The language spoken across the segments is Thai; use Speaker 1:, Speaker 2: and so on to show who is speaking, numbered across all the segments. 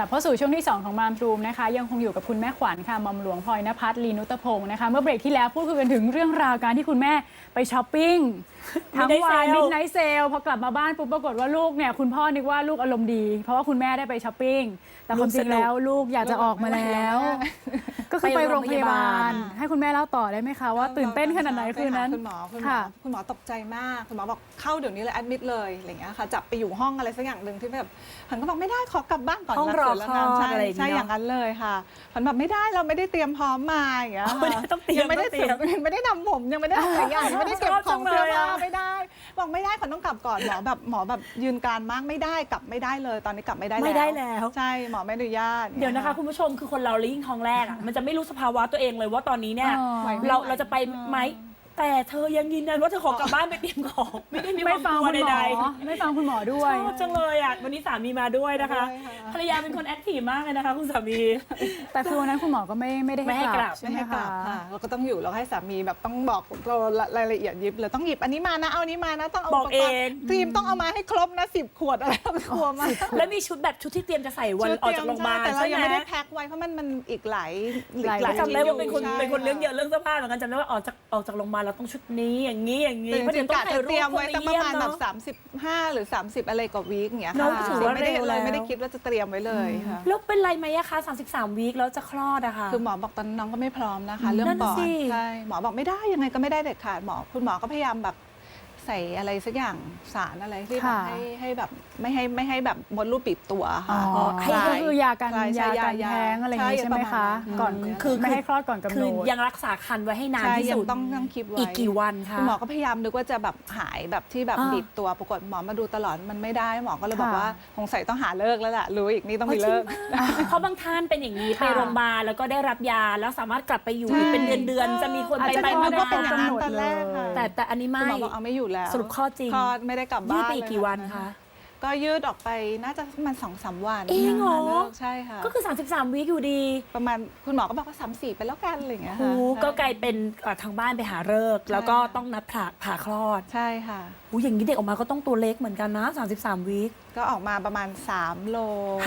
Speaker 1: ลับเข้าสู่ช่วงที่ 2 ของมามรูมนะคะยังคงอยู่กับคุณแม่ขวัญค่ะหม่อมหลวงพลอยณภัทร ลีนุตพงศ์นะคะเมื่อเบรกที่แล้วพูดคุยกันถึงเรื่องราวการที่คุณแม่ไปช้อปปิ้งทั้งวันมิดไนท์เซลพอกลับมาบ้านปุ๊บปรากฏว่าลูกเนี่ยคุณพ่อนึกว่าลูกอารมณ์ดีเพราะว่าคุณแม่ได้ไปช้อปปิ้งแต่ความจริงแล้วลูกอยากจะออกมาแล้วก็คือไปโรงพยาบาลให้คุณแม่เล่าต่อได้ไหมคะว่าตื่นเต้นขนาดไหนคืนนั้น
Speaker 2: คุณหมอตกใจมากคุณหมอบอกเข้าเดี๋ยวนี้เลยแอดมิดเลยอะไรอย่างเงี้ยค่ะจับไปอยู่ห้องอะไรสักอย่างหนึ่งที่แบบผันก็บอกไม่ได้ขอกลับบ้านก่อน
Speaker 3: ห้องรอคลอดอะไร
Speaker 2: ใช่อย่างนั้นเลยค่ะผันแบบไม่ได้เราไม่ได้เตรียมพร้อมมาอย่างเงี้ย
Speaker 3: ต้องเตรียม
Speaker 2: ไม่ได้นำผมยังไม่ได้หลายอย่างไม่ได้เก็บของเสื้อผ้าไม่ได้บอกไม่ได้ขวัญต้องกลับก่อนหมอแบบยืนการมากไม่ได้กลับไม่ได้เลยตอนนี้กลับไม่ได้แล้วใช่หมอไม่อนุญาต
Speaker 3: เดี๋ยวนะคะคุณผู้ชมคือคนเรายิ่งท้องแรกอ่ะมันจะไม่รู้สภาวะตัวเองเลยว่าตอนนี้เนี่ยเราจะไปไหมแต่เธอยังยืนยันว่าเธอขอกลับบ้านไปเตรียมของไม่ได้มีความกลัวใด
Speaker 1: ๆไม่ฟังคุณหมอด้วย
Speaker 3: ชอบจังเลยอ่ะวันนี้สามีมาด้วยนะคะภรรยาเป็นคนแอคทีฟมากเลยนะคะคุณสามี
Speaker 1: แต่คือวันนั้นคุณหมอก็ไม่ได้ให้กลับใช่ไหมคะ
Speaker 2: เราก็ต้องอยู่เราให้สามีแบบต้องบอกรายละเอียดยิบเลยต้องหยิบอันนี้มานะเอานี้มานะต้องเอา
Speaker 3: บอกเอง
Speaker 2: ครีมต้องเอามาให้ครบนะ10 ขวดอะไรกลัวมาก
Speaker 3: แล้วมีชุดแบบชุดที่เตรียมจะใส่วันออกจากโรงพยาบาล
Speaker 2: แต่เรายังไม่ได้แพ็คไว้เพราะมันอีกหลาย
Speaker 3: จำได้ว่าเป็นคนเรื่องเยอะเรื่องเสื้อผ้าเหมือนกันจำได้ว่าออกจากโรงพยาบาลเราต้องชุดนี้อย่างนี้
Speaker 2: เพราะเดี๋ยวต้องถ่ายรูปเตรียมไว้ตั้งประมาณแบบ35 หรือ 30อะไรกว่าวีคอย่างเงี้ยค่ะไม่ได้คิดว่าจะเตรียมไว้เลยค่ะ
Speaker 3: แล้วเป็นไรไหมอะคะ33 วีคแล้วจะคลอดอะค่ะ
Speaker 2: คือหมอบอกตอนน้องก็ไม่พร้อมนะคะเรื่องปอดใช่หมอบอกไม่ได้ยังไงก็ไม่ได้เด็ดขาดคุณหมอก็พยายามแบบใส่อะไรสักอย่างสารอะไรที่แบบให้แบบไม่ให้แบบมดลูกปิดตัวค่ะ
Speaker 1: ก็คือยากันแท้งอะไรอย่างนี้ใช่ไหมคะก่อนคือไม่ให้คลอดก่อนกำหนด
Speaker 3: ยังรักษาครรภ์ไว้ให้นานที่สุด
Speaker 2: ต้องคิดไว้
Speaker 3: อีกกี่วันคะ
Speaker 2: คุณหมอก็พยายามนึกว่าจะแบบหายแบบที่แบบบีบตัวปรากฏหมอมาดูตลอดมันไม่ได้หมอก็เลยบอกว่าสงสัยต้องหาเลิกแล้วแหละรู้อีกนี่ต้องมีเลิก
Speaker 3: เพราะบางท่านเป็นอย่างนี้ไปโรงพยาบาลแล้วก็ได้รับยาแล้วสามารถกลับไปอยู่เป็นเดือนจะมีคนไป
Speaker 2: มาก็เป็นอย่างนั้นตอนแรก
Speaker 3: แต่อันนี้ไม่
Speaker 2: หมอบอกเอาไม่อยู่แล้ว
Speaker 3: สรุปข้อจริง
Speaker 2: ไม่ได้กลับบ้าน
Speaker 3: ยืดไปอีกกี่วันคะ
Speaker 2: ก็ยืดออกไปน่าจะประมาณ2-3 วัน
Speaker 3: เองเหรอ
Speaker 2: ใช่ค่ะ
Speaker 3: ก็คือ33 วีคอยู่ดี
Speaker 2: ประมาณคุณหมอก็บอกว่า3-4ไปแล้วกันอะไรอย่างเงี้ยค่ะ
Speaker 3: ก็กลายเป็นทางบ้านไปหาฤกษ์แล้วก็ต้องนัดผ่าคลอด
Speaker 2: ใช่ค่ะ
Speaker 3: อย่างนี้เด็กออกมาก็ต้องตัวเล็กเหมือนกันนะ33 วีค
Speaker 2: ก็ออกมาประมาณ3 โล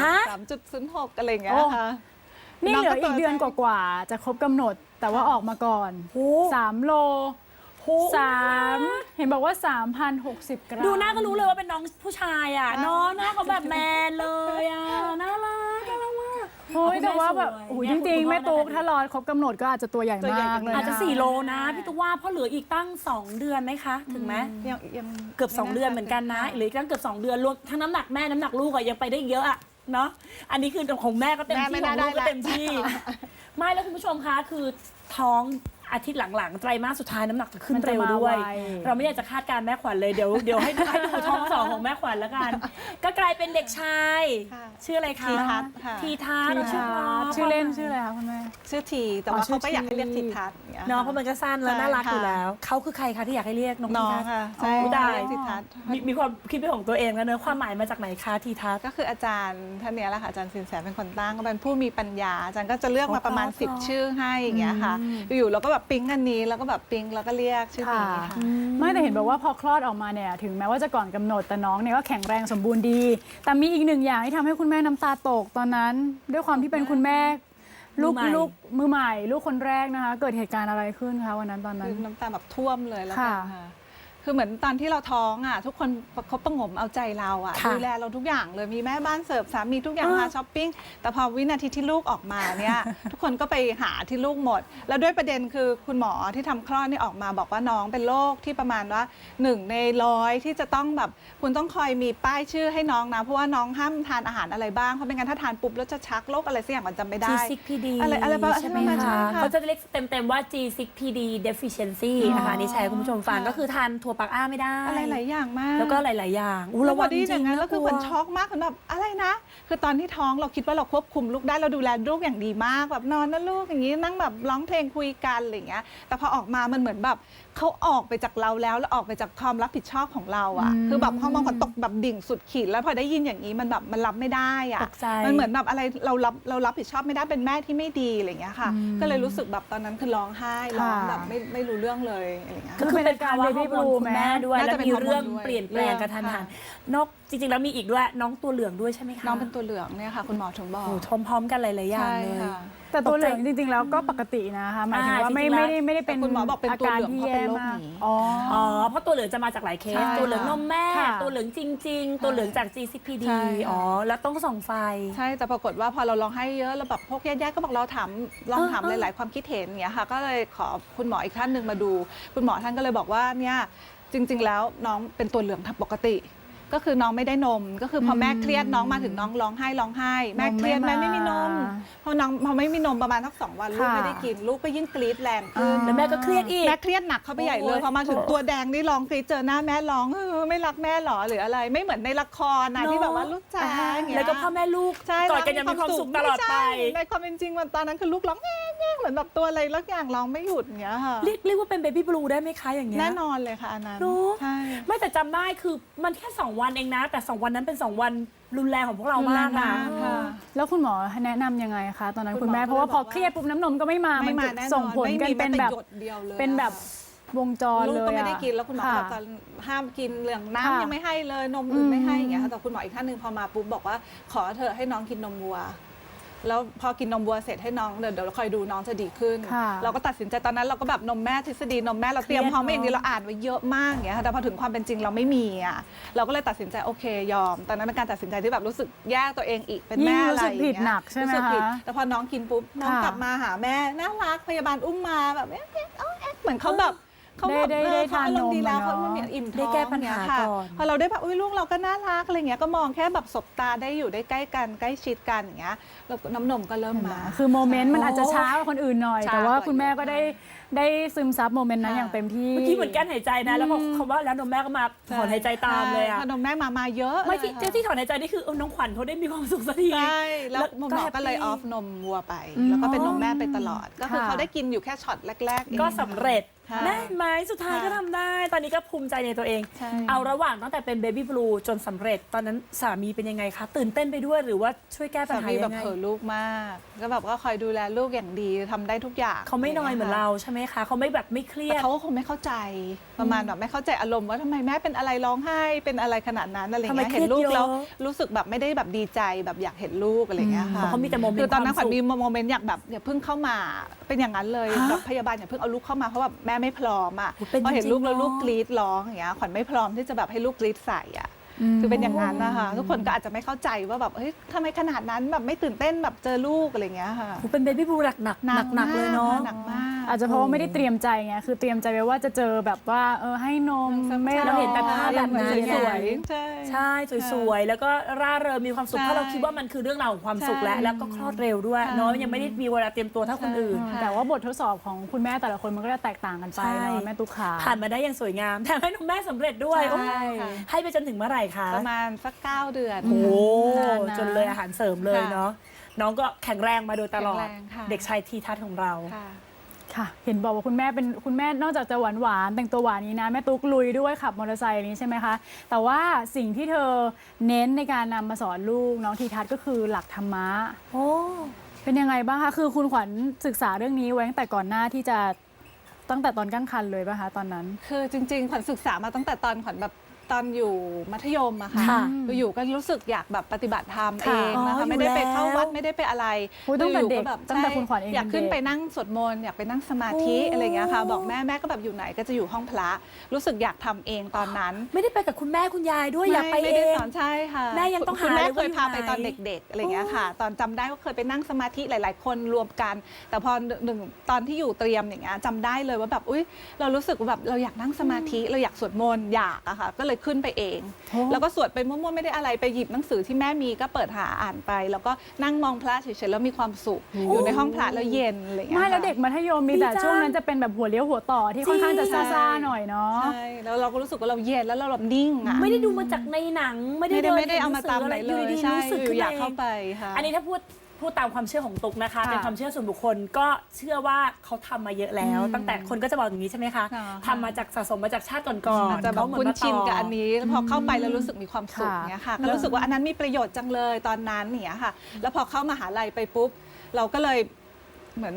Speaker 2: 3.06 อะไรอย่างเงี้ยค่ะ
Speaker 1: นี่เหลืออีกเดือนกว่าๆจะครบกำหนดแต่ว่าออกมาก่อน3 โลเห็นบอกว่า 3,060 กรัม
Speaker 3: ดูหน้าก็รู้เลยว่าเป็นน้องผู้ชายอ่ะน้องหน้าเขาแบบแมนเลยอ่ะน่ารักมาก
Speaker 1: โอ้ยแต่ว่าแบบจริงๆแม่ตุ๊กถ้ารอครบกำหนดก็อาจจะตัวใหญ่มากเลย
Speaker 3: อาจจะ4 โลนะพี่ตุ๊กว่าเพราะเหลืออีกตั้ง2 เดือนไหมคะถึงไหม
Speaker 2: ยัง
Speaker 3: เกือบ2 เดือนเหมือนกันนะหรือตั้งเกือบ2 เดือนรวมทั้งน้ำหนักแม่น้ำหนักลูกอะยังไปได้เยอะอะเนาะอันนี้คือของแม่ก็เต็มที่ของลูกก็เต็มที่ไม่แล้วคุณผู้ชมคะคือท้องอาทิตย์หลังๆไตรมาสสุดท้ายน้ำหนักจะขึ้นเร็วด้วยเราไม่อยากจะคาดการแม่ขวัญเลยเดี๋ยวให้ดูท้อง2ของแม่ขวัญแล้วกันก็กลายเป็นเด็กชายชื่ออะไรคะทีทัศน์
Speaker 1: ชื่อเล่นชื่ออะไรคะคุณแม่
Speaker 2: ชื่อทีแต่ว่าเขาก็อยากให้เรียกทีทัศน์
Speaker 3: เนาะเพราะมันก็สั้นแล้วน่ารักอยู่แล้วเขาคือใครคะที่อยากให้เรียกน้อง
Speaker 2: ค่ะใช่ทีทัศน์
Speaker 3: มีความคิดเป็นของตัวเองแล้วเนอะความหมายมาจากไหนคะทีทัศน์
Speaker 2: ก็คืออาจารย์ท่านนี้แหละค่ะอาจารย์สินแสเป็นคนตั้งก็เป็นผู้มีปัญญาอาจารย์ก็จะเลือกมาประมาณ10 ชื่อให้อย่างเงี้ยค่ะอยู่เราก็แบบปิ๊งอันนี้แล้วก็แบบปิ๊งแล้วก็เรียกชื่อนี้ค่ะ
Speaker 1: ไม่แต่เห็นบอกว่าพอคลอดออกมาเนี่ยถึงแม้ว่าจะก่อนกำหนดแต่น้องเนี่ยก็แข็งแรงสมบูรณ์ดีแต่มีอีกหนึ่งอย่างที่ทำให้คุณแม่น้ำตาตกตอนนั้นด้วยความที่เป็นคุณแม่ลูกมือใหม่ลูกคนแรกนะคะเกิดเหตุการณ์อะไรขึ้นคะวันนั้นตอนนั้น
Speaker 2: น้ำตาแบบท่วมเลยแล้วกันค่ะคือเหมือนตอนที่เราท้องอ่ะทุกคนเขาประงมเอาใจเราอ่ะดูแลเราทุกอย่างเลยมีแม่บ้านเสิร์ฟสามีทุกอย่างพาช้อปปิ้งแต่พอวินาทีที่ลูกออกมาเนี่ยทุกคนก็ไปหาที่ลูกหมดแล้วด้วยประเด็นคือคุณหมอที่ทำคลอดนี่ออกมาบอกว่าน้องเป็นโรคที่ประมาณว่า1 ใน 100ที่จะต้องแบบคุณต้องคอยมีป้ายชื่อให้น้องนะเพราะว่าน้องห้ามทานอาหารอะไรบ้างเพราะไม่งั้นถ้าทานปุ๊บแล้วจะชักโรคอะไรสักอย่างมันจำไม่ได้
Speaker 3: G6PD
Speaker 2: อะไรบ้างใช่ไหมคะ
Speaker 3: เขาจะเรียกเต็มๆว่า G6PD deficiency นะคะนี่แชร์คุณผู้ชมฟังก็คือทานถั่วปักอ้าไม่ได้
Speaker 2: อะไรหลายอย่างมาก
Speaker 3: แล้วก็หลายๆอย่าง
Speaker 2: แล้ววันนี้อย่างนั้นแล้วคือคนช็อกมากคือแบบอะไรนะคือตอนที่ท้องเราคิดว่าเราควบคุมลูกได้เราดูแลลูกอย่างดีมากแบบนอนนะลูกอย่างนี้นั่งแบบร้องเพลงคุยกันอะไรอย่างเงี้ยแต่พอออกมามันเหมือนแบบเขาออกไปจากเราแล้วออกไปจากความรับผิดชอบของเราอ่ะคือแบบฮอร์โมนขวัญตกแบบดิ่งสุดขีดแล้วพอได้ยินอย่างนี้มันแบบมันรับไม่ได้อ่ะมันเหมือนแบบอะไรเรารับผิดชอบไม่ได้เป็นแม่ที่ไม่ดีอะไรอย่างเงี้ยค่ะก็เลยรู้สึกแบบตอนนั้นคือร้องไห้ร้องแบบไม่รู้เรื่องเลยอะไรอย่างเงี้ย
Speaker 1: คือเป็นการเบบี้บลูม
Speaker 3: คุณแม่ด้วย
Speaker 2: น่า
Speaker 3: แล้ว
Speaker 2: จะเป็น
Speaker 3: มี
Speaker 2: ฮอร์โมน
Speaker 3: เรื่อง
Speaker 2: ด้วย
Speaker 3: เปลี่ยนแปลงกระทันหันนอกจริงๆแล้วมีอีกด้วยน้องตัวเหลืองด้วยใช่ไหมคะ
Speaker 2: น้องเป็นตัวเหลืองเนี่ยค่ะ คุณหมอถึงบอก
Speaker 3: โอ้พร้อมๆกันหลายๆอย่าง
Speaker 2: ใช่
Speaker 3: เลย
Speaker 2: ค่ะ
Speaker 1: แต่ตัวเหลืองจริงๆแล้วก็ปกตินะคะหมายถึงว่าไม่ได้เป็น
Speaker 2: แต่คุณหมอบอกเป็นตัวเหลือง
Speaker 1: ที่
Speaker 2: เพราะเป็นโรค
Speaker 1: มาก
Speaker 2: นี้
Speaker 1: อ๋อ
Speaker 3: อ๋อเพราะตัวเหลืองจะมาจากหลายเค
Speaker 2: ใช่
Speaker 3: สตัวเหลืองนมแม่
Speaker 1: ค่ะ
Speaker 3: ตัวเหลืองจริง ๆ ตัวเหลืองจาก GCPD
Speaker 2: ใช่ค่ะ
Speaker 3: อ๋อแล้วต้องส่องไฟ
Speaker 2: ใช่แต่ปรากฏว่าพอเราลองให้เยอะแล้วแบบพวกญาติๆก็บอกเราลองถาม
Speaker 3: เออ
Speaker 2: หลายๆความคิดเห็นอย่างเงี้ยค่ะก็เลยขอคุณหมออีกท่านหนึ่งมาดู คุณหมอท่านก็เลยบอกว่าเนี่ยจริง ๆ แล้วน้องเป็นตัวเหลืองปกติ ก็คือน้องไม่ได้นม ก็คือพอแม่เครียดน้องมาถึงน้องร้องไห้แม่เครียดแม่ไม่มีนมพอไม่มีนมประมาณสัก2 วันลูก
Speaker 1: ค่ะ
Speaker 2: ไม่ได้กินลูกก็ยิ่งกรี๊ดแรงขึ้น
Speaker 3: แล้วแม่ก็เครียดอีก
Speaker 2: แม่เครียดหนักเข้าไปใหญ่เลย
Speaker 3: โอ้ย
Speaker 2: พอมาถึงตัวแดงนี่ร้องกรี๊ดเจอหน้าแม่ร้องไม่รักแม่หรอหรืออะไรไม่เหมือนในละครนะที่แบบว่าลูกจ๋าอย่างเงี้ย
Speaker 3: แล้วก็พ่อแม่ลูก
Speaker 2: ใช่
Speaker 3: กอดกันอยังมีความสุขตลอดไป
Speaker 2: ใช่ในความเป็นจริงมันตอนนั้นคือลูกร้องแง่ๆเหมือนแบบตัวอะไรลักอย่างร้องไม่หยุดอย่างเงี้ยค่ะ
Speaker 3: เรียกว่าเป็นเบบี้บลูได้ไหมคะอย่างเงี้ย
Speaker 2: แน่นอนเลยค่ะอันนั้น
Speaker 3: รู้
Speaker 2: ใช่
Speaker 3: ไม่แต่จำได้คือมันแค่2 วันเองนะ แต่2 วันนั้นเป็น2 วันรุนแรงของพวกเรามากนะ
Speaker 2: ค่ะ
Speaker 1: แล้วคุณหมอแนะนำยังไงคะตอนนั้น
Speaker 2: คุ
Speaker 1: คุณ ณ
Speaker 2: หมอ
Speaker 1: แม่เพราะว่า
Speaker 2: ก็
Speaker 1: พ
Speaker 2: เล
Speaker 1: อย
Speaker 2: บอกว่า
Speaker 1: เครียดปุ๊บน้ำนมก็ไม่มา
Speaker 2: ไม่
Speaker 1: มัน
Speaker 2: มา
Speaker 1: จะ
Speaker 2: แน่นอน
Speaker 1: ส่งผลกันเป็นแบบ
Speaker 2: ไม่มีแม้แต่หยดเดียวเลย
Speaker 1: เป็นแบบวงจร
Speaker 2: ลูก
Speaker 1: เลย
Speaker 2: ก็ไม่ได้
Speaker 1: อะ
Speaker 2: กินแล้วคุณหมอ
Speaker 1: ค่ะ
Speaker 2: บอกตอนห้ามกินเหลือง
Speaker 1: ค่ะ
Speaker 2: น้ำยังไม่ให้เลยนมอื่นไม่ให้อย่างเงี้ยค่ะแต่คุณหมออีกท่านหนึ่งพอมาปุ๊บบอกว่าขอเธอะให้น้องกินนมวัว แล้วพอกินนมวัวเสร็จให้น้องเดี๋ยวเราคอยดูน้องจะดีขึ้น
Speaker 1: ค่ะ
Speaker 2: เราก็ตัดสินใจตอนนั้นเราก็แบบนมแม่ทฤษฎีนมแม่เราเตรียมพร้อมมาอย่างดีเราอ่านไว้เยอะมากอย่างเงี้ยค่ะแต่พอถึงความเป็นจริงเราไม่มีอ่ะเราก็เลยตัดสินใจโอเคยอม ตอนนั้นเป็นการตัดสินใจที่แบบรู้สึกแย่ตัวเองอีกเป็นแม่อะไรอย่าง
Speaker 1: ยิ่งรู้สึกผิด
Speaker 2: เงี้ย
Speaker 1: หนักใช่ไหม
Speaker 2: รู้สึกผิด
Speaker 1: คะ
Speaker 2: แต่พอน้องกินปุ๊บน้อง
Speaker 1: ค่ะ
Speaker 2: กลับมาหาแม่น่ารักพยาบาลอุ้มมาแบบเอ๊ะเหมือนเขาแบบเขาแบบ
Speaker 1: ได้
Speaker 2: เขาอารมณ์ดีแล้ว
Speaker 1: ทานนม
Speaker 2: เขา
Speaker 1: อะเนอะ
Speaker 2: เหมือนอิ่มท้อง
Speaker 3: ได้แก้ปัญหา
Speaker 2: ค่ะ
Speaker 3: ก่อน
Speaker 2: พอเราได้แบบอุ้ยลูกเราก็น่ารักอะไรเงี้ยก็มองแค่แบบสบตาได้อยู่ได้ใกล้กันใกล้ชิดกันอย่างเงี้ยแล้วน้ำนมก็เริ่มมา
Speaker 1: คือโมเมนต์มันอาจจะช้ากว่าคนอื่นหน่อย
Speaker 2: ช้า
Speaker 1: แต่ว่าก
Speaker 2: ว่า
Speaker 1: คุณแม่ก็
Speaker 2: เยอะ
Speaker 1: ได้ซึมซับโมเมนต์นั้น
Speaker 2: ค่ะ
Speaker 1: อย่างเต็มที่
Speaker 3: เมื่อกี้เหมือนกันหายใจนะ แล้วพอคำว่าแล้วนมแม่ก็มาถอนหายใจตามเลยอะ
Speaker 2: ใช่พอนมแม่มาเยอะ
Speaker 3: ไม่ที่
Speaker 2: เลยค่ะ
Speaker 3: ที่ถอนหายใจนี่คือน้องขวัญเขาได้มีความสุขสักที
Speaker 2: ใช่แล้วหมอก็เลยออฟนมวัวไป แล้วก็เป็นนมแม่ไปตลอด ก็คือเขาได้กินอยู่แค่ช็อตแรกๆเอง
Speaker 3: ก็สำเร็จ
Speaker 2: ค่ะ
Speaker 3: แม่ไหมสุดท้ายก็ทำได้ ตอนนี้ก็ภูมิใจในตัวเอง
Speaker 2: ใช่
Speaker 3: เอาระหว่างตั้งแต่เป็นเบบี้บลูจนสำเร็จ ตอนนั้นสามีเป็นยังไงคะ ตื่นเต้นไปด้วยหรือว่าช่วยแก้ปัญ
Speaker 2: สา
Speaker 3: หา
Speaker 2: มีแบ
Speaker 3: ยั
Speaker 2: บ
Speaker 3: งไง
Speaker 2: เผลอลูกมาก ก็แบบก็คอยดูแลลูกอย่างดีทำได้ทุกอย่าง
Speaker 3: เขาไม่น้อยเหมือนเราใช่ไหมคะเขาไม่แบบไม่เครีย
Speaker 2: แต่
Speaker 3: ด
Speaker 2: เขาก็คงไม่เข้าใจประมาณแบบไม่เข้าใจอารมณ์ว่าทำไมแม่เป็นอะไรร้องไห้เป็นอะไรขนาดนั้นอะไร
Speaker 3: ทำไม
Speaker 2: เงี้ย
Speaker 3: เครียด
Speaker 2: เห็นลูกแล้ว
Speaker 3: เยอะ
Speaker 2: รู้สึกแบบไม่ได้แบบดีใจแบบอยากเห็นลูกอะไรเงี้ยค่ะ
Speaker 3: เพราะเขามีแต่โมเมนต์
Speaker 2: คือตอนนั้น
Speaker 3: ค
Speaker 2: ข
Speaker 3: วาม
Speaker 2: วัญ
Speaker 3: สุข
Speaker 2: มีโมเมนต์อยากแบบอย่าเพิ่งเข้ามาเป็นอย่างนั้นเลย
Speaker 3: ฮะ
Speaker 2: แบบพยาบาลอย่าเพิ่งเอาลูกเข้ามาเพราะแบบแม่ไม่พร้อมอ่ะ
Speaker 3: โอ้เป็น
Speaker 2: พอเห็น
Speaker 3: จริงๆ
Speaker 2: ลูกแล้ว
Speaker 3: เนอะ
Speaker 2: ลูกกรีดร้องอย่างเงี้ยขวัญไม่พร้อมที่จะแบบให้ลูกกรีดใส่อ่ะคือเป็นอย่างนั้นนะคะทุกคนก็อาจจะไม่เข้าใจว่าแบบเฮ้ยทำไมขนาดนั้นแบบไม่ตื่นเต้นแบบเจอลูกอะไรเงี้ยค่ะ
Speaker 3: โอ้เป็นเบบี้บลูหนักเลยเนาะ
Speaker 2: หนักมาก
Speaker 1: อาจจะเพราะว่าไม่ได้เตรียมใจไงคือเตรียมใจไว้ว่าจะเจอแบบว่าให้นมไม่
Speaker 3: เราเห็นแต่ภาพแบบนั้น
Speaker 2: สวยๆใช่
Speaker 3: ใช่สวยๆ แล้วก็ร่าเริงมีความสุข
Speaker 2: ใช่
Speaker 3: เพราะเราคิดว่ามันคือเรื่องราวของความสุข
Speaker 2: ใช่
Speaker 3: แล้วก็คลอดเร็วด้วย
Speaker 2: ใช่
Speaker 3: เนาะยังไม่ได้มีเวลาเตรียมตัวเท่าคนอื่น
Speaker 2: ใช่
Speaker 1: แต่ว่าบททดสอบของคุณแม่แต่ละคนมันก็จะแตกต่างกันไป
Speaker 3: ใช่
Speaker 1: เนาะแม่ตุ๊กขา
Speaker 3: ผ่านมาได้อย่างสวยงามแถมให้น้องแม่สำเร็จด้วย
Speaker 2: ใช่
Speaker 3: โอ้ย
Speaker 2: ค่ะ
Speaker 3: ให้ไปจนถึงเมื่อไหร่คะ
Speaker 2: ประมาณสัก9 เดือน
Speaker 3: โอ้
Speaker 1: นานนะ
Speaker 3: จนเลยอาหารเสริมเลยเนาะน้องก็แข็งแรงมาโดยตลอด
Speaker 2: แข็งแรงค่ะ
Speaker 3: เด็กชายทีทัศน์ของเรา
Speaker 2: ค่ะ
Speaker 1: ค่ะ เห็นบอกว่าคุณแม่เป็นคุณแม่นอกจากจะหวานหวานๆแต่งตัวหวานนี้นะแม่ตุ๊กลุยด้วยขับมอเตอร์ไซค์นี้ใช่ไหมคะแต่ว่าสิ่งที่เธอเน้นในการนำมาสอนลูกน้องทีทัศน์ก็คือหลักธรรมะ
Speaker 3: โอ้
Speaker 1: เป็นยังไงบ้างคะคือคุณขวัญศึกษาเรื่องนี้ไว้ตั้งแต่ก่อนหน้าที่จะตั้งแต่ตอนตั้งครรภ์เลยป่ะคะตอนนั้น
Speaker 2: คือจริงๆขวัญศึกษามาตั้งแต่ตอนขวัญแบบตอนอยู่มัธยมอะค่ะ
Speaker 3: ค่ะ
Speaker 2: อยู่ๆก็รู้สึกอยากแบบปฏิบัติธรรมเอ
Speaker 1: ค่ะ
Speaker 2: งนะ
Speaker 3: อ๋ออยู่
Speaker 2: คะไม่ได้ไปเข้า
Speaker 3: แล้ว
Speaker 2: วัดไม่ได้ไปอะไร
Speaker 1: โอ้ยตั้งแต่เด็ก
Speaker 2: อยู่ๆแบบ
Speaker 1: ตั้งแต่
Speaker 2: ใช่
Speaker 1: คุณขวัญเอง
Speaker 2: อยากขึ้น
Speaker 1: เป็นเด็ก
Speaker 2: ไปนั่งสวดมนต์อยากไปนั่งสมาธิอะไรอย่างเงี้ยค่ะบอกแม่ก็แบบอยู่ไหนก็จะอยู่ห้องพระรู้สึกอยากทำเองตอนนั้น
Speaker 3: ไม่ได้ไปกับคุณแม่คุณยายด้วยอยากไป
Speaker 2: ไม่
Speaker 3: เอ
Speaker 2: ได้
Speaker 3: ง
Speaker 2: สอนใช่ค่ะ
Speaker 3: แม่ยังต้อง
Speaker 2: คุณ
Speaker 3: หา
Speaker 2: แม่
Speaker 3: เลย
Speaker 2: เคยพา
Speaker 3: ว่าอยู่
Speaker 2: ไปตอน
Speaker 3: ไหน
Speaker 2: เด็กๆอะไรอย่างเงี้ยค่ะ ตอนจำได้ว่าเคยไปนั่งสมาธิหลาย ๆ คนรวมกัน แต่พอหนึ่งตอนที่อยู่เตรียมอย่างเงี้ยจำได้เลยว่าแบบอุ้ยเรารู้สึกว่าแบบเราอยากนั่งสมาธิเราอยากสวดมนต์อยากอะค่ะก็เลยขึ้นไปเอง
Speaker 1: โอ้
Speaker 2: แล้วก็สวดไปมั่วๆไม่ได้อะไรไปหยิบหนังสือที่แม่มีก็เปิดหาอ่านไป แล้วก็นั่งมองพระเฉยๆแล้วมีความสุขอยู่ในห้องพระแล้วเย็นอะไรอย่างเงี้ย
Speaker 1: ไม่แล้ว
Speaker 2: ค่ะ
Speaker 1: เด็กมัธยมมีแต่
Speaker 3: ดีจัง
Speaker 1: ช่วงนั้นจะเป็นแบบหัวเลี้ยวหัวต่อที่ค่อนข้างจะ
Speaker 2: จริง
Speaker 1: ซ่าๆหน่อยเนาะ
Speaker 2: ใช่แล้วเราก็รู้สึกว่าเราเย็นแล้วเราแบบนิ่งอะ
Speaker 3: ไม่ได้ดูมาจากในหนังไม่ได้
Speaker 2: ไม่ได้เอามาตามไหน
Speaker 3: อ
Speaker 2: เล
Speaker 3: ยู่
Speaker 2: ย
Speaker 3: ดีๆ
Speaker 2: ใช่
Speaker 3: รู้สึก
Speaker 2: อ
Speaker 3: ขึ้น
Speaker 2: ยู่อยาก
Speaker 3: เอง
Speaker 2: เข้าไปค่ะ
Speaker 3: อันนี้ถ้าพูดตามความเชื่อของตุ๊กนะคะ
Speaker 1: ค่ะ
Speaker 3: เป็นความเชื่อส่วนบุคคลก็เชื่อว่าเขาทำมาเยอะแล้ว ตั้งแต่คนก็จะบอกอย่างนี้ใช่ไหมคะ
Speaker 2: ค่ะ
Speaker 3: ทำมาจากสะสมมาจากชาติก่อน
Speaker 2: อาจ
Speaker 3: ๆ
Speaker 2: จะแบบ
Speaker 3: เขาเหมือ
Speaker 2: คุ้น
Speaker 3: มา
Speaker 2: ชิน
Speaker 3: ต่อ
Speaker 2: กับอันนี้แล้วพอเข้าไปแล้วรู้สึกมีความสุข
Speaker 1: ค่ะ
Speaker 2: เนี้ยค่ะก็รู้สึกว่าอันนั้นมีประโยชน์จังเลยตอนนั้นเนี้ยค่ะ แล้วพอเข้ามหาลัยไปปุ๊บ เราก็เลยเหมือนแบบ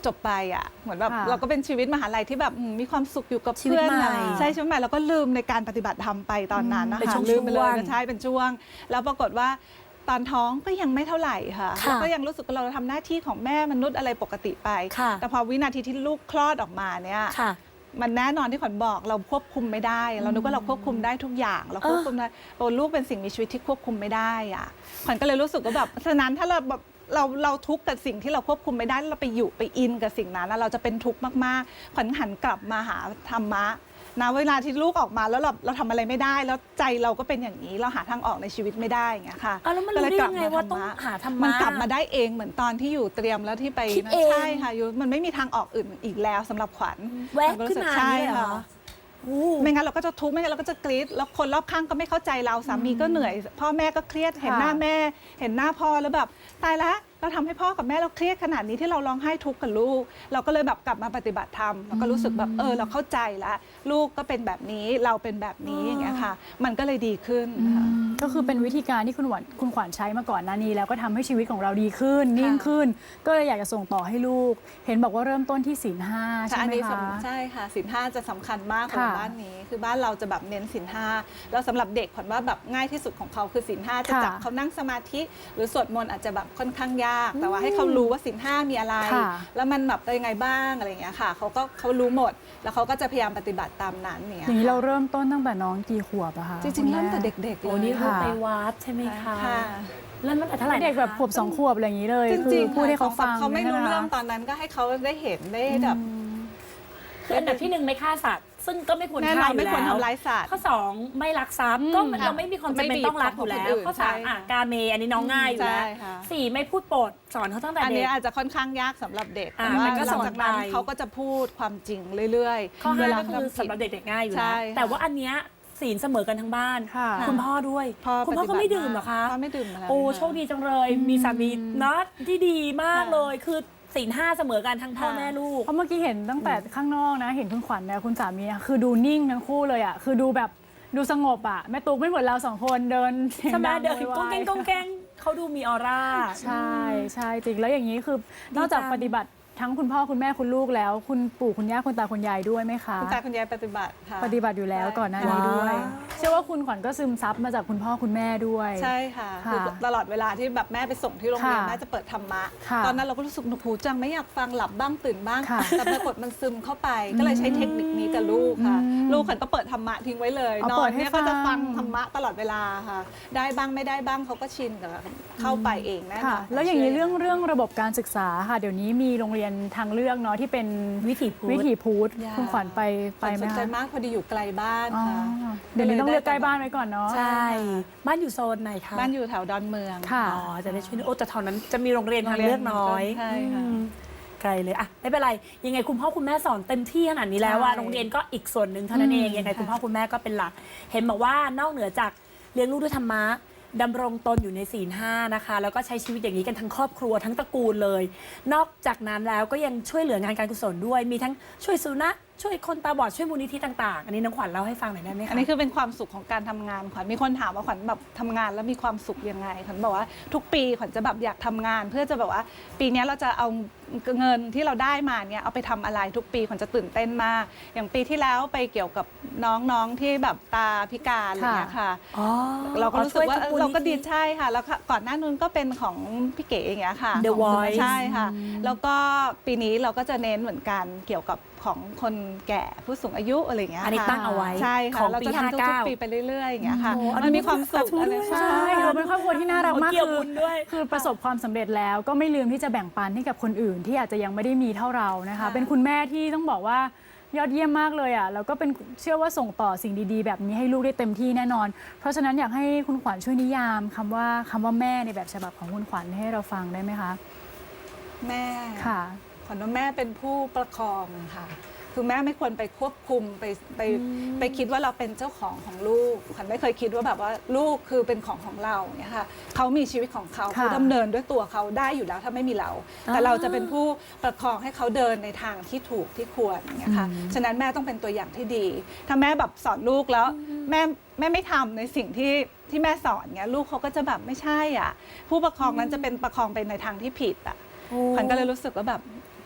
Speaker 2: จบไปอ่ะเหมือนแบบ
Speaker 1: ค่ะ
Speaker 2: เราก็เป็นชีวิตมหาลัยที่แบบมีความสุขอยู่กับ
Speaker 3: ชีวิต
Speaker 2: เพื่อน
Speaker 3: ใหม่
Speaker 2: ใช่ชีวิตใหม่แล้วก็ลืมในการปฏิบัติธรรมไปตอนนั้นนะ
Speaker 3: เป็น
Speaker 2: คะ
Speaker 3: ช่วง
Speaker 2: ลืมไปเลย
Speaker 3: ๆ
Speaker 2: ก็ใช่เป็นช่วง แล้วปรากฏว่าตอนท้องก็ยังไม่เท่าไหร่ค่ะ
Speaker 3: ค่ะ
Speaker 2: แล้วก็ยังรู้สึกว่าเราทำหน้าที่ของแม่มนุษย์อะไรปกติไป
Speaker 3: ค่ะ
Speaker 2: แต่พอวินาทีที่ลูกคลอดออกมาเนี่ย
Speaker 3: ค่ะ
Speaker 2: มันแน่นอนที่ขวัญบอกเราควบคุมไม่ได้ เรานึกว่าเราควบคุมได้ทุกอย่างเราควบคุมได้ตัวลูกเป็นสิ่งมีชีวิตที่ควบคุมไม่ได้อะขวัญก็เลยรู้สึกว่าแบบฉะนั้นถ้าเราแบบเราทุกข์กับสิ่งที่เราควบคุมไม่ได้เราไปอยู่ไปอินกับสิ่งนั้นแล้วเราจะเป็นทุกข์มากๆขวัญหันกลับมาหาธรรมะนะเวลาที่ลูกออกมาแล้วเราทำอะไรไม่ได้ แล้วใจเราก็เป็นอย่างนี้เราหาทางออกในชีวิตไม่ได้อย่างเงี้ยค่ะ
Speaker 3: อ้าวแล้วมันรู้ได้ยังไงว่าต้องหาธรรมะ
Speaker 2: มันกลับมาได้เองเหมือนตอนที่อยู่เตรียมแล้วที่ไป
Speaker 3: คิดเอง
Speaker 2: ใช่ค่ะอยู่มันไม่มีทางออกอื่นอีกแล้วสำหรับขวัญ
Speaker 3: แวะขึ้นมา
Speaker 2: ใช่
Speaker 3: เนี่ยเหรอ
Speaker 2: ค่ะ
Speaker 3: โอ้
Speaker 2: ไม่งั้นเราก็จะทุกข์ไม่งั้นเราก็จะกรี๊ดแล้วคนรอบข้างก็ไม่เข้าใจเราสามีก็เหนื่อย พ่อแม่ก็เครียดเห็นหน้าแม่ เห็นหน้าพ่อแล้วแบบตายแล้วเราทำให้พ่อกับแม่เราเครียดขนาดนี้ที่เราร้องไห้ทุกข์กับลูก เราก็เลยแบบกลับมาปฏิบัติธรรมเราก็รู้สึกแบบเราเข้าใจแล้วลูกก็เป็นแบบนี้เราเป็นแบบนี้อย่างเงี้ยค่ะ มันก็เลยดีขึ้นค่ะ
Speaker 1: ก็คือเป็นวิธีการที่คุณขวัญใช้มาก่อนหน้านี้แล้วก็ทำให้ชีวิตของเราดีขึ้นนิ่งขึ้น ก็เลยอยากจะส่งต่อให้ลูก เห็นบอกว่าเริ่มต้นที่ศีล 5ใช่
Speaker 2: อัน
Speaker 1: ไหม
Speaker 2: นี้
Speaker 1: คะ
Speaker 2: ใช่ค่ะศีลห้าจะสำคัญมากของ
Speaker 1: ค่ะ
Speaker 2: บ้านนี้ คือบ้านเราจะแบบเน้นศีลห้าแล้วสำหรับเด็กขวัญว่าแบบง่ายที่สุดของเขาคือศีลห้าจะจับ
Speaker 1: ค่ะ
Speaker 2: เขานั่งสมาธิ หรือสวดมนต์อาจจะแบบค่อนข้างยาก แต่ว่าให้เขารู้ว่าศีลห้ามีอะไร
Speaker 1: ค่ะ
Speaker 2: แล้วมันแบบเป็นยังไงบ้างอะไรอย่างเงี้ยค่ะเขารู้หมด แล้วเขาก็จะพยายามปฏิบัติตามนั้นเนี่ย
Speaker 1: อย่างนี้เราเริ่มต้นตั้งแต่น้องกี่ขวบอะคะ
Speaker 2: จริงๆเริ่มแต่เด็กๆ
Speaker 3: โอ้
Speaker 2: เลย
Speaker 3: นี่คือ
Speaker 1: ค่ะ
Speaker 3: ไปวัดใช่ไหมคะ
Speaker 2: ค่ะ
Speaker 3: เริ่มตั้งแต่เท่าไหร่นะคะ
Speaker 1: เด็กแบบขวบ2 ขวบอะไรอย่างนี้เลย
Speaker 2: จ
Speaker 1: คื
Speaker 2: ริ
Speaker 1: อง
Speaker 2: ๆ
Speaker 1: พูดให้เขาฟัง
Speaker 2: เขาไม่รู้
Speaker 1: ใช่ห
Speaker 2: เรื่อง
Speaker 1: คะ
Speaker 2: ตอนนั้นก็ให้เขาได้เห็นได้แบบ
Speaker 3: คืออันดับที่ 1ไม่ฆ่าสัตว์ ซึ่งก็ไม่ควร
Speaker 2: แน่น
Speaker 3: ฆ่า
Speaker 2: อน
Speaker 3: อยู่
Speaker 2: ไม่ควร
Speaker 3: แล้ว
Speaker 2: ทำร้ายสัตว์
Speaker 3: ข้อ 2ไม่ลักทรัพย์ก็เราไม่มีความจำเป็นต้องรักอยู่แล้ว ข้อ
Speaker 2: ใช่
Speaker 3: 3
Speaker 2: ค่ะ
Speaker 3: กาเมอันนี้น้องง่ายอยู่แล้ว
Speaker 2: ใช่ค่ะ
Speaker 3: 4ไม่พูดโปดสอนเขาตั้งแต่
Speaker 2: อัน
Speaker 3: เด็
Speaker 2: นี้
Speaker 3: ก
Speaker 2: อาจจะค่อนข้างยากสำหรับเด็ก
Speaker 3: อ่า
Speaker 2: แต่ว่า
Speaker 3: มันก็
Speaker 2: หลังจากนั้น
Speaker 3: สอนไป
Speaker 2: เขาก็จะพูดความจริงเรื่อยๆ
Speaker 3: ข้อ
Speaker 2: เวล
Speaker 3: 5ก็คือ
Speaker 2: ทำผิด
Speaker 3: สำหรับเด็กๆง่ายอยู่
Speaker 2: ใช่
Speaker 3: แล้ว
Speaker 2: ค่ะ
Speaker 3: แต่ว่าอันเนี้ยศีลเสมอกันทั้งบ้าน
Speaker 1: ค่ะ
Speaker 3: คุณพ่อด้วย คุณพ่อก็ไม่ดื่มเหรอคะ
Speaker 2: พ่อไม่ดื่มอะไร
Speaker 3: โอ้
Speaker 2: ค่ะ
Speaker 3: โชคดีจังเลย มีสามีเนาะที่ดีมากเลย คือศีล5เสมอกันทั้งพ่อ
Speaker 2: ค่ะ
Speaker 3: แม่ลูก
Speaker 1: เพราะเมื่อกี้เห็นตั้งแต่ข้างนอกนะ เห็นคุณขวัญเนี่ยคุณสามีนะคือดูนิ่งทั้งคู่เลยอ่ะคือดูแบบดูสงบอ่ะแม่ตุ๊กไม่เหมือนเรา2 คนเดินเสียง
Speaker 3: ใช่ไหม
Speaker 1: ดัง
Speaker 3: เดิน
Speaker 1: โวยวาย
Speaker 3: ก้องแกงก้องแกงเขาดูมีออร่า
Speaker 1: ใช่ใช่จริงแล้วอย่างนี้คือนอกจาก
Speaker 3: จัง
Speaker 1: ปฏิบัติทั้งคุณพ่อคุณแม่คุณลูกแล้ว คุณปู่คุณย่าคุณตาคุณยายด้วยไหมคะ
Speaker 2: คุณตาคุณยายปฏิบัติค่ะ
Speaker 1: ปฏิบัติอยู่แล้วก่อนหน้านี้ด้วย
Speaker 3: ว้าว
Speaker 1: เชื่อว่าคุณขวัญก็ซึมซับมาจากคุณพ่อคุณแม่ด้วย
Speaker 2: ใช่ค่ะ
Speaker 1: ค่ะ
Speaker 2: คือตลอดเวลาที่แบบแม่ไปส่งที่โรงเรียน
Speaker 1: ค่ะ
Speaker 2: แม่จะเปิดธรรมะ
Speaker 1: ค่ะ
Speaker 2: ตอนนั้นเราก็รู้สึกหนวกหูจังไม่อยากฟังหลับบ้างตื่นบ้าง
Speaker 1: ค่ะ
Speaker 2: แต่ปรากฏมันซึมเข้าไป ก็เลยใช้เทคนิคนี้กับลูกค่ะ ลูกขวัญก็เปิดธรรมะทิ้งไว้เลย
Speaker 1: เอา
Speaker 2: นอ
Speaker 1: เปิ
Speaker 2: น
Speaker 1: ดให้
Speaker 2: เนี่ยก็จะ
Speaker 1: ฟั
Speaker 2: ฟั
Speaker 1: ง
Speaker 2: งธรรมะตลอดเวลาค่ะ ได้บ้างไม่ได้บ้างเขาก็ชินกับเข้าไปเองแน่น
Speaker 1: ค่ะ
Speaker 2: อน
Speaker 1: แล้วอย่างนี้เรื่องระบบการศึกษาค่ะ เดี๋ยวนี้มีโรงเรียนทางเลือกเนาะที่เป็น
Speaker 3: วิถีพุทธ
Speaker 1: วิถีพุทธ
Speaker 2: อย่า
Speaker 1: คุณขวัญไปไห
Speaker 2: ส
Speaker 1: ม
Speaker 2: นใจ
Speaker 1: คะ
Speaker 2: มากพอดีอยู่ไกลบ้าน
Speaker 1: อ๋อ
Speaker 2: ค่ะ
Speaker 1: เดี๋ยวนี้ต้องเลือกใกล้บ้านไว้ก่อนเนาะ
Speaker 3: ใช่ บ้านอยู่โซนไหนคะ
Speaker 2: บ้านอยู่แถวดอนเมือง
Speaker 1: ค่ะ
Speaker 3: อ๋อ จะได้ช่วยโอ้แต่แถวนั้นจะมีโรงเรียนทางเลือกน้อย
Speaker 2: ใช่ค่ะ
Speaker 3: อืมไกลเลยอะไม่เป็นไร ยังไงคุณพ่อคุณแม่สอนเต็มที่ขนาดนี้แล้วว่า
Speaker 1: ใช่
Speaker 3: โรงเรียนก็อีกส่วนหนึ่งเท่านั้นเอง ยังไงคุณพ่อคุณแม่ก็เป็นหลัก เห็นบอกว่านอกเหนือจากเลี้ยงลูกด้วยธรรมะดำรงตนอยู่ในศีล5นะคะ แล้วก็ใช้ชีวิตอย่างนี้กันทั้งครอบครัวทั้งตระกูลเลย นอกจากนั้นแล้วก็ยังช่วยเหลืองานการกุศลด้วย มีทั้งช่วยสุนัขช่วยคนตาบอดช่วยมูลนิธิต่างๆ อันนี้น้องขวัญเล่าให้ฟังหน่อยได้ไหมคะ
Speaker 2: อันนี้คือเป็นความสุขของการทำงานขวัญมีคนถามว่าขวัญแบบทำงานแล้วมีความสุขยังไงขวัญบอกว่าทุกปีขวัญจะแบบอยากทำงาน เพื่อจะแบบว่าปีนี้เราจะเอาเงินที่เราได้มาเนี่ยเอาไปทำอะไรทุกปีขวัญจะตื่นเต้นมาก อย่างปีที่แล้วไปเกี่ยวกับน้องๆที่แบบตาพิการอะไรอย่างเงี้ยค่ะ
Speaker 3: อ๋อ
Speaker 2: เราก็รู้สึกว่า
Speaker 3: ช่ยทุ
Speaker 2: เราก็ดี
Speaker 3: มูลนิธิ
Speaker 2: ใช่ค่ะ แล้วก่อนหน้านู้นก็เป็นของพี่เก๋อย่างเงี้ยค่ะ
Speaker 3: The
Speaker 2: ของ
Speaker 3: Voice
Speaker 2: ใช่ค่ะ แล้วก็ปีนี้เราก็จะเน้นเหมือนกันเกี่ยวกับของคนแก่ผู้สูงอายุอะไรอย่างเงี้ย
Speaker 3: อันนี้
Speaker 2: ค่ะ
Speaker 3: ตั้งเอาไว้
Speaker 2: ใช่
Speaker 3: ข
Speaker 2: ค่ะ
Speaker 3: อง
Speaker 2: เรา
Speaker 3: ปี
Speaker 2: จะทำทุก
Speaker 3: 59
Speaker 2: ๆปีไปเรื่อยๆอย่างเงี้ยค่ะ
Speaker 3: โอ้โห
Speaker 2: มันมีความสุข
Speaker 3: อนุโมทนา
Speaker 2: อะไร
Speaker 3: ด้วย
Speaker 2: ใช่
Speaker 1: ใช่เราเป็นครอบครัวที่น่ารักมาก
Speaker 3: เกี่ยวบุญด้วย
Speaker 1: คือประสบความสำเร็จแล้วก็ไม่ลืมที่จะแบ่งปันให้กับคนอื่นที่อาจจะยังไม่ได้มีเท่าเรานะคะ
Speaker 2: ค่ะ
Speaker 1: เป็นคุณแม่ที่ต้องบอกว่ายอดเยี่ยมมากเลยอ่ะแล้วก็เป็นเชื่อว่าส่งต่อสิ่งดีๆ แบบนี้ให้ลูกได้เต็มที่แน่นอน เพราะฉะนั้นอยากให้คุณขวัญช่วยนิยามคำว่าแม่ในแบบฉบับของคุณขวัญให้เราฟังได้ไหมคะ
Speaker 2: แม่
Speaker 1: ค่ะ
Speaker 2: ขวัญว่าแม่เป็นผู้ประคองค่ะ คือแม่ไม่ควรไปควบคุมไปคิดว่าเราเป็นเจ้าของลูกขวัญไม่เคยคิดว่าแบบว่าลูกคือเป็นของเราเนี่ยค่ะเขามีชีวิตของเขา
Speaker 1: ค่ะ
Speaker 2: เขาดำเนินด้วยตัวเขาได้อยู่แล้วถ้าไม่มีเรา แต่เราจะเป็นผู้ประคองให้เขาเดินในทางที่ถูกที่ควรอย่างเงี้ยค่ะฉะนั้นแม่ต้องเป็นตัวอย่างที่ดี ถ้าแม่แบบสอนลูกแล้วแม่ไม่ทำในสิ่งที่แม่สอนเงี้ยลูกเขาก็จะแบบไม่ใช่อ่ะผู้ประคองนั้นจะเป็นประคองไปในทางที่ผิดอ่ะขวัญก็เลยรู้สึกว่าแบบ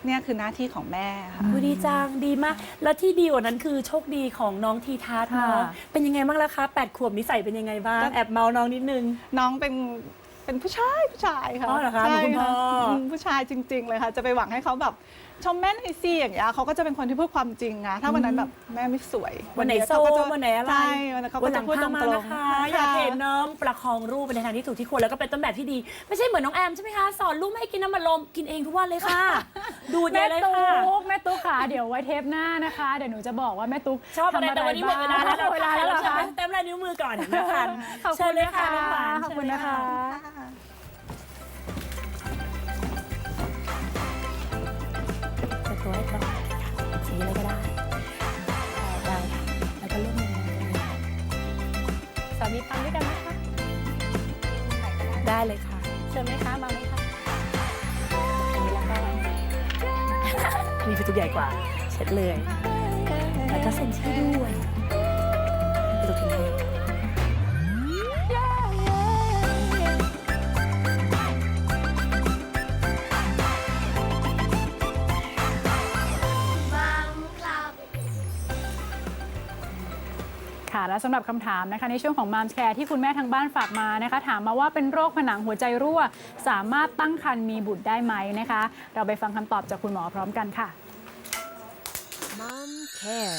Speaker 2: เนี่ยคือหน้าที่ของแม่ค่ะ
Speaker 3: ดีจังดีมาก แล้วที่ดีกว่านั้นคือโชคดีของน้องทีทัศน์เนาะ
Speaker 1: ค่ะ
Speaker 3: เป็นยังไงบ้างล่ะคะ8 ขวบนิสัยเป็นยังไงบ้างแอบเมาน้องนิดนึง
Speaker 2: น้องเป็นผู้ชายค่ะ
Speaker 3: อ๋อเหรอคะเหมือนคุณพ่อ
Speaker 2: ผู้ชายจริง ๆ เลยค่ะ จะไปหวังให้เขาแบบชมแม่หน่อยสิอย่างเงี้ยเขาก็จะเป็นคนที่พูดความจริงนะถ้าวันนั้นแบบแม่ไม่สวย
Speaker 3: วันไหนโซ
Speaker 2: เขาก็จะ
Speaker 3: วันไหนอะไร
Speaker 2: ใช่วันนั้นเขาก็
Speaker 3: วันห
Speaker 2: จะ
Speaker 3: ลัง
Speaker 2: พูดต
Speaker 3: พา
Speaker 2: รง
Speaker 3: มา
Speaker 2: ๆ
Speaker 3: นะคะอยากเห็นน้องประคองรูปไปในทางที่ถูกที่ควรแล้วก็เป็นต้นแบบที่ดี ไม่ใช่เหมือนน้องแอมใช่ไหมคะสอนลูกไม่ให้กินน้ำมันลมกินเองทุกวันเลยค่ะ ดูดใหญ่
Speaker 1: แม่
Speaker 3: เลย
Speaker 1: ตุ๊
Speaker 3: ค่ะ
Speaker 1: กแม่ตุ๊กค่ะเดี๋ยวไว้เทปหน้านะคะ เดี๋ยวหนูจะบอกว่าแม่ตุ๊ก
Speaker 3: ชอบอะไร
Speaker 1: ทำ
Speaker 3: แต่วันนี้หมดเวลาแล้ว
Speaker 1: เวลาแล้วเหรอคะ
Speaker 3: เต็มลายนิ้วมือก่อนนะคะ
Speaker 1: ขอบ
Speaker 3: เชิ
Speaker 1: คุ
Speaker 3: ญ
Speaker 1: ณ
Speaker 3: เลย
Speaker 1: นะ
Speaker 3: ค่ะ
Speaker 1: คะ
Speaker 3: น้องหวาน
Speaker 1: ขอบคุณนะคะ
Speaker 3: จะตัวให้ก่อนสีอะไรก็ได้ได้ค่ะแล้วก็เลือกมุมเลย
Speaker 1: สามีทำด้วยกันไหมคะ
Speaker 3: ได้เลยค่ะ
Speaker 1: เชิญไหมคะมาไหมคะอันนี้แล้วก็
Speaker 3: มีประตูใหญ่กว่าเช็ดเลยแล้วก็เซ็นชื่อด้วยประตูทิ้งให้
Speaker 1: ค่ะและสำหรับคำถามนะคะในช่วงของมามแคร์ที่คุณแม่ทางบ้านฝากมานะคะ ถามมาว่าเป็นโรคผนังหัวใจรั่ว สามารถตั้งครรภ์มีบุตรได้ไหมนะคะ เราไปฟังคำตอบจากคุณหมอพร้อมกันค่ะ
Speaker 4: Mom Care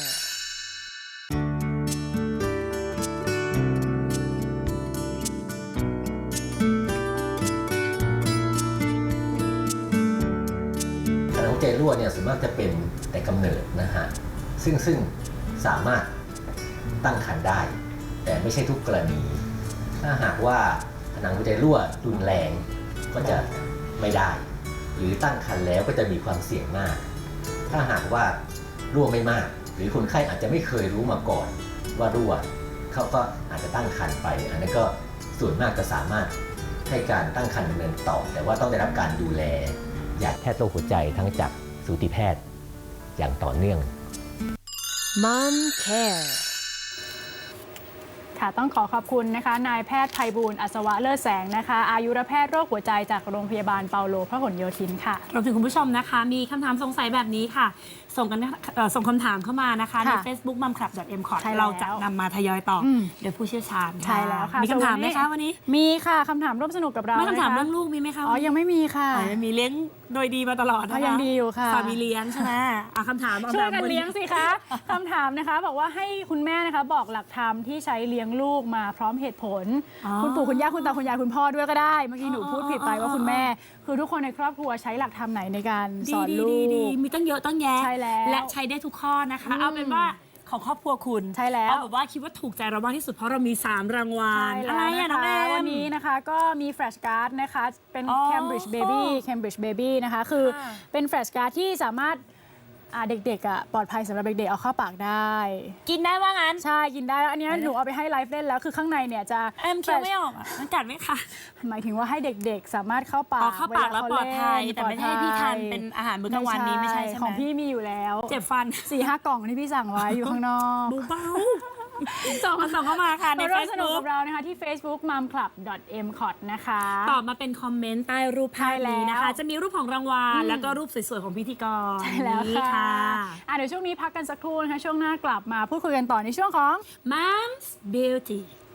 Speaker 5: ผนังหัวใจรั่วเนี่ยส่วนมากจะเป็นแต่กำเนิดนะฮะซึ่งสามารถตั้งครรภ์ได้ แต่ไม่ใช่ทุกกรณี ถ้าหากว่าผนังหัวใจรั่วรุนแรงก็จะไม่ได้ หรือตั้งครรภ์แล้วก็จะมีความเสี่ยงมาก ถ้าหากว่ารั่วไม่มาก หรือคนไข้อาจจะไม่เคยรู้มาก่อนว่ารั่วเขาก็อาจจะตั้งครรภ์ไป อันนั้นก็ส่วนมากจะสามารถให้การตั้งครรภ์ดำเนินต่อ แต่ว่าต้องได้รับการดูแลจากแพทย์โรคหัวใจทั้งจากสูติแพทย์อย่างต่อเนื่อง
Speaker 4: Mom Care
Speaker 1: ค่ะต้องขอบคุณนะคะนายแพทย์ไพบูลย์อัศวะเลิศแสงนะคะอายุรแพทย์โรคหัวใจจากโรงพยาบาลเปาโลพหลโยธินค่ะ
Speaker 3: รวมถึงคุณผู้ชมนะคะ มีคำถามสงสัยแบบนี้ค่ะ ส่งคำถามเข้ามานะคะ ใน
Speaker 1: ค่ะ
Speaker 3: Facebook mumclub.m.com
Speaker 1: ใช่แล้ว
Speaker 3: เราจะนำมาทยอยตอบ
Speaker 1: อืม
Speaker 3: โดยผู้เชี่ยวชาญ
Speaker 1: ใช่แล้วค่ะ
Speaker 3: มีคำถามไหมคะ
Speaker 1: ส่วนวันนี้
Speaker 3: วันนี้
Speaker 1: มีค่ะคำถามร่วมสนุกกับเรา
Speaker 3: ไม่คำถาม
Speaker 1: นะคะ
Speaker 3: เรื่องลูกมีไหมคะ
Speaker 1: อ๋อยังไม่มีค่ะ
Speaker 3: อ๋อยังมีเลี้ยงโดยดีมาตลอดนะคะ
Speaker 1: ยังดีอยู่ค่ะ
Speaker 3: สามีเลี้ยงใช่ไหมคำถาม
Speaker 1: ช่วยกันเลี้ยงสิคะคำถามนะคะบอกว่าให้คุณแม่นะคะบอกหลักธรรมที่ใช้เลี้ยงลูกมาพร้อมเหตุผล คุณปู่คุณย่าคุณตาคุณยายคุณพ่อด้วยก็ได้เมื่อกี้หนูพูดผิดไปว่าคุณแม่ คือทุกคนในครอบครัวใช้หลักธรรมไหนในการสอนลูก
Speaker 3: ดีมีตั้งเยอะตั้งแยะ
Speaker 1: ใช่แล้ว
Speaker 3: และใช้ได้ทุกข้อนะคะ เอาเป็นว่าของครอบครัวคุณ
Speaker 1: ใช่แล้ว
Speaker 3: เอาแบบว่าคิดว่าถูกใจเรามากที่สุดเพราะเรามี 3 รางวัล
Speaker 1: ใช่
Speaker 3: อะไร
Speaker 1: แล้ว
Speaker 3: อะ
Speaker 1: นะ
Speaker 3: น้องแอ
Speaker 1: คะ
Speaker 3: ม
Speaker 1: วันนี้นะคะก็มีแฟลชการ์ดนะคะเป็น
Speaker 3: อ๋อ
Speaker 1: Cambridge Baby นะคะคือ
Speaker 3: ค่ะ
Speaker 1: เป็นแฟลชการ์ดที่สามารถเด็กๆปลอดภัยสำหรับเด็กๆเอาเข้าปากได้
Speaker 3: กินได้ว่างั้น
Speaker 1: ใช่กินได้แล้วอันนี้หนูเอาไปให้ไลฟ์เล่นแล้วคือข้างในเนี่ยจะ
Speaker 3: แอมเคี้ยวไม่ออกอ่ะมันกัดไหมคะ
Speaker 1: หมายถึงว่าให้เด็กๆสามารถเข้าปาก
Speaker 3: เข้าปากแล้ว
Speaker 1: เข
Speaker 3: ปลอดภัย
Speaker 1: เล่น
Speaker 3: แต่ไม่ใช่ให้พี่ทานเป็นอาหารมื้อกลางวันนี้ไม่ใช่ใช่ไหม
Speaker 1: ของพี่มีอยู่แล้ว
Speaker 3: เจ็บฟัน
Speaker 1: 4-5 กล่องที่พี่สั่งไว้อยู่ข้างนอก
Speaker 3: เบาส่งเข้ามาค่ะใน
Speaker 1: มาร่วมสนุก
Speaker 3: Facebook
Speaker 1: กับเรานะคะที่ Facebook mumclub.mcot นะคะ
Speaker 3: ตอบมาเป็นคอมเมนต์ใต้รูปภาพนี้นะคะ จะมีรูปของรางวัลแล้วก็รูปสวยๆของพิธีกร
Speaker 1: ใช่แล้ว
Speaker 3: นี่
Speaker 1: ค่ะเดี๋ยวช่วงนี้พักกันสักครู่นะคะช่วงหน้ากลับมาพูดคุยกันต่อในช่วงของ
Speaker 3: Mom's Beauty